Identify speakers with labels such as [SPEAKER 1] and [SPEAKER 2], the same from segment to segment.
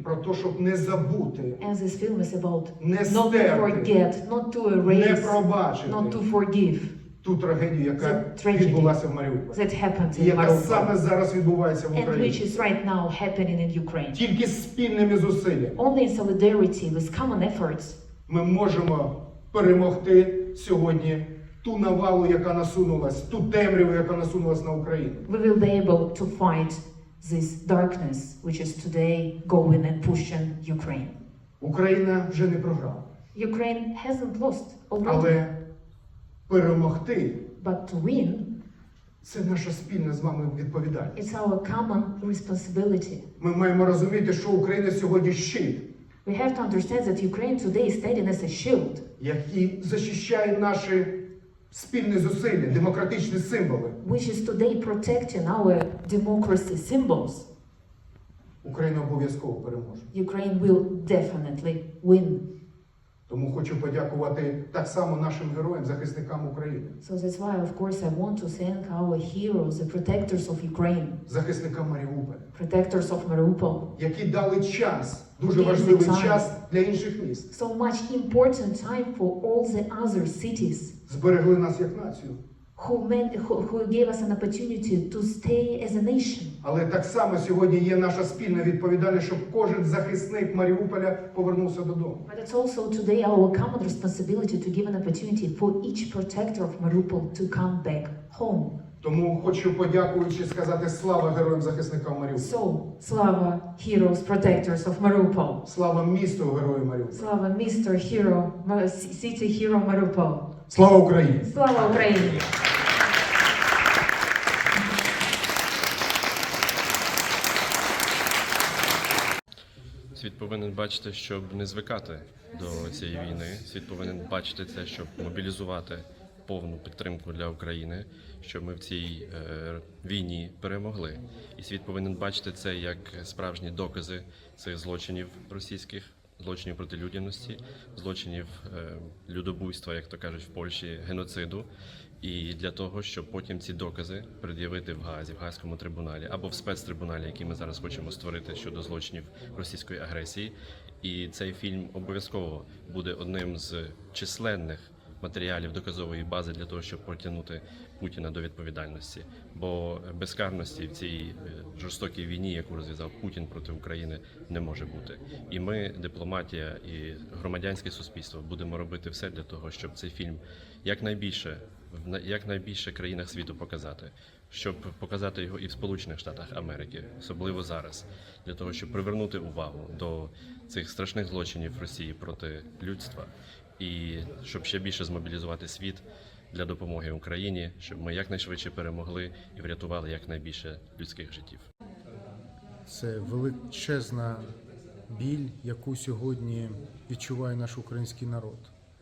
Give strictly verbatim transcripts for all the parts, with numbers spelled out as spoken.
[SPEAKER 1] про те, щоб не забути,
[SPEAKER 2] As this film is about
[SPEAKER 1] не
[SPEAKER 2] not to
[SPEAKER 1] стерти,
[SPEAKER 2] forget, not to
[SPEAKER 1] не
[SPEAKER 2] erase,
[SPEAKER 1] пробачити
[SPEAKER 2] not to forgive
[SPEAKER 1] ту трагедію, яка
[SPEAKER 2] The tragedy
[SPEAKER 1] відбулася в Маріуполі.
[SPEAKER 2] that happened
[SPEAKER 1] І
[SPEAKER 2] in
[SPEAKER 1] яка саме
[SPEAKER 2] Mariupol,
[SPEAKER 1] зараз відбувається в
[SPEAKER 2] and which
[SPEAKER 1] Україні.
[SPEAKER 2] is right now happening in Ukraine.
[SPEAKER 1] Тільки спільними зусиллями
[SPEAKER 2] Only in solidarity with common efforts
[SPEAKER 1] ми можемо перемогти сьогодні ту навалу, яка насунулась, ту темряву, яка насунулась на Україну.
[SPEAKER 2] we will be able to fight this darkness which is today going and pushing Ukraine.
[SPEAKER 1] Україна вже не програла.
[SPEAKER 2] Ukraine hasn't lost already,
[SPEAKER 1] Але перемогти
[SPEAKER 2] but to win,
[SPEAKER 1] – це наша спільна з вами відповідальність.
[SPEAKER 2] it's our common responsibility.
[SPEAKER 1] Ми маємо розуміти, що Україна сьогодні щит,
[SPEAKER 2] We have to understand that Ukraine today is standing as a shield,
[SPEAKER 1] який захищає наші спільні зусилля, демократичні символи.
[SPEAKER 2] which is today protecting our democracy symbols.
[SPEAKER 1] Україна обов'язково переможе.
[SPEAKER 2] Ukraine will definitely win.
[SPEAKER 1] Тому хочу подякувати так само нашим героям, захисникам України,
[SPEAKER 2] So that's why, of course, I want to thank our heroes, the protectors of Ukraine,
[SPEAKER 1] захисникам Маріуполя,
[SPEAKER 2] protectors of Mariupol.
[SPEAKER 1] які дали час, дуже
[SPEAKER 2] Give the
[SPEAKER 1] важливий
[SPEAKER 2] time.
[SPEAKER 1] час для інших міст.
[SPEAKER 2] So much important time for all the other cities
[SPEAKER 1] Зберегли нас як націю.
[SPEAKER 2] who, meant, who, who gave us an opportunity to stay as a nation.
[SPEAKER 1] Але так само сьогодні є наша спільна відповідальність, щоб кожен захисник Маріуполя повернувся додому.
[SPEAKER 2] But it's also today our common responsibility to give an opportunity for each protector of Mariupol to come back home.
[SPEAKER 1] Тому хочу, подякуючи, сказати слава героям-захисникам Маріуполя.
[SPEAKER 2] So, Slava, heroes, protectors of Mariupol.
[SPEAKER 1] Слава місту герою Маріуполя.
[SPEAKER 2] Slava, mister Hero, Ma- City Hero Mariupol.
[SPEAKER 1] Слава Україні!
[SPEAKER 2] Слава Україні!
[SPEAKER 3] Світ повинен бачити, щоб не звикати до цієї війни. Світ повинен бачити це, щоб мобілізувати повну підтримку для України, щоб ми в цій е, війні перемогли. І світ повинен бачити це як справжні докази цих злочинів російських, злочинів проти людяності, злочинів е, людобуйства, як то кажуть в Польщі, геноциду. І для того, щоб потім ці докази пред'явити в Гаазі, в Гаазькому трибуналі або в спецтрибуналі, який ми зараз хочемо створити щодо злочинів російської агресії. І цей фільм обов'язково буде одним з численних матеріалів доказової бази для того, щоб притягнути Путіна до відповідальності. Бо безкарності в цій жорстокій війні, яку розв'язав Путін проти України, не може бути. І ми, дипломатія і громадянське суспільство, будемо робити все для того, щоб цей фільм якнайбільше в якнайбільше країнах світу показати, щоб показати його і в Сполучених Штатах Америки, особливо зараз, для того, щоб привернути увагу до цих страшних злочинів Росії проти людства і щоб ще більше змобілізувати світ для допомоги Україні, щоб ми якнайшвидше перемогли і врятували якнайбільше людських життів.
[SPEAKER 4] Це величезна біль, яку сьогодні відчуває наш український народ.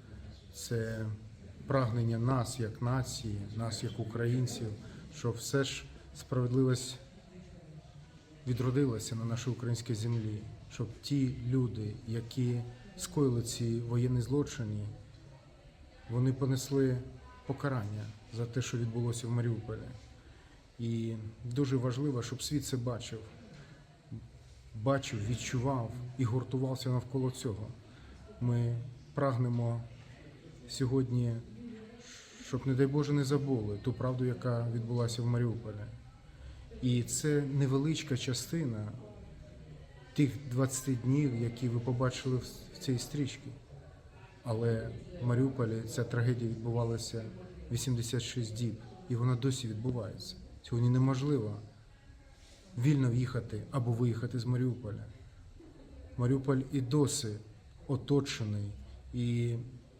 [SPEAKER 4] Це прагнення нас як нації, нас як українців, щоб все ж справедливість відродилася на нашій українській землі, щоб ті люди, які скоїли ці воєнні злочини, вони понесли покарання за те, що відбулося в Маріуполі. І дуже важливо, щоб світ це бачив, бачив, відчував і гуртувався навколо цього. Ми прагнемо сьогодні, щоб, не дай Боже, не забули ту правду, яка відбулася в Маріуполі. І це невеличка частина тих двадцяти днів, які ви побачили в цій стрічці. Але в Маріуполі ця трагедія відбувалася вісімдесят шість діб, і вона досі відбувається. Сьогодні неможливо вільно в'їхати або виїхати з Маріуполя. Маріуполь і досі оточений, і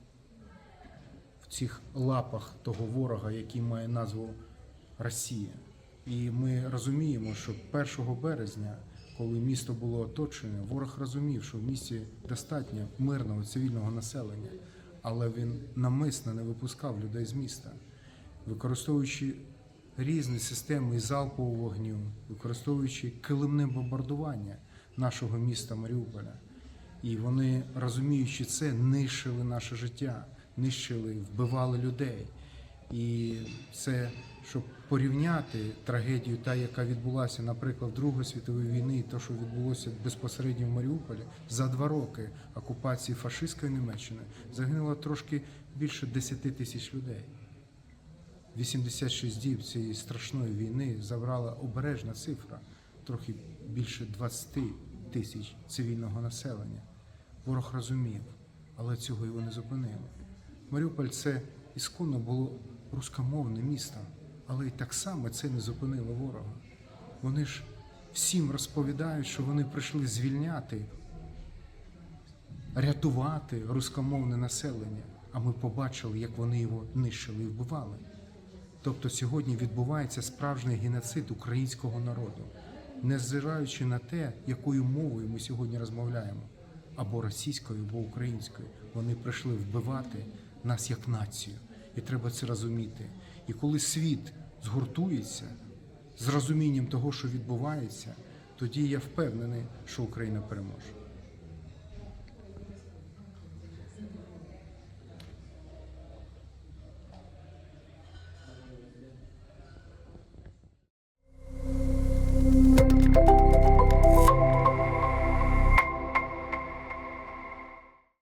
[SPEAKER 4] в цих лапах того ворога, який має назву Росія. І ми розуміємо, що першого березня, коли місто було оточене, ворог розумів, що в місті достатньо мирного цивільного населення, але він навмисно не випускав людей з міста, використовуючи різні системи залпового вогню, використовуючи килимне бомбардування нашого міста Маріуполя. І вони, розуміючи це, нищили наше життя, нищили, вбивали людей. І це, щоб порівняти трагедію, та, яка відбулася, наприклад, в Другої світової війни, і те, що відбулося безпосередньо в Маріуполі, за два роки окупації фашистської Німеччини загинуло трошки більше десяти тисяч людей. вісімдесят шість діб цієї страшної війни забрала обережна цифра, трохи більше двадцять тисяч цивільного населення. Ворог розумів, але цього його не зупинило. Маріуполь – це ісконно було рускомовне місто, але й так само це не зупинило ворога. Вони ж всім розповідають, що вони прийшли звільняти, рятувати рускомовне населення, а ми побачили, як вони його нищили і вбивали. Тобто сьогодні відбувається справжній геноцид українського народу, незважаючи на те, якою мовою ми сьогодні розмовляємо, або російською, або українською. Вони прийшли вбивати нас як націю, і треба це розуміти. І коли світ згуртується з розумінням того, що відбувається, тоді я впевнений, що Україна переможе.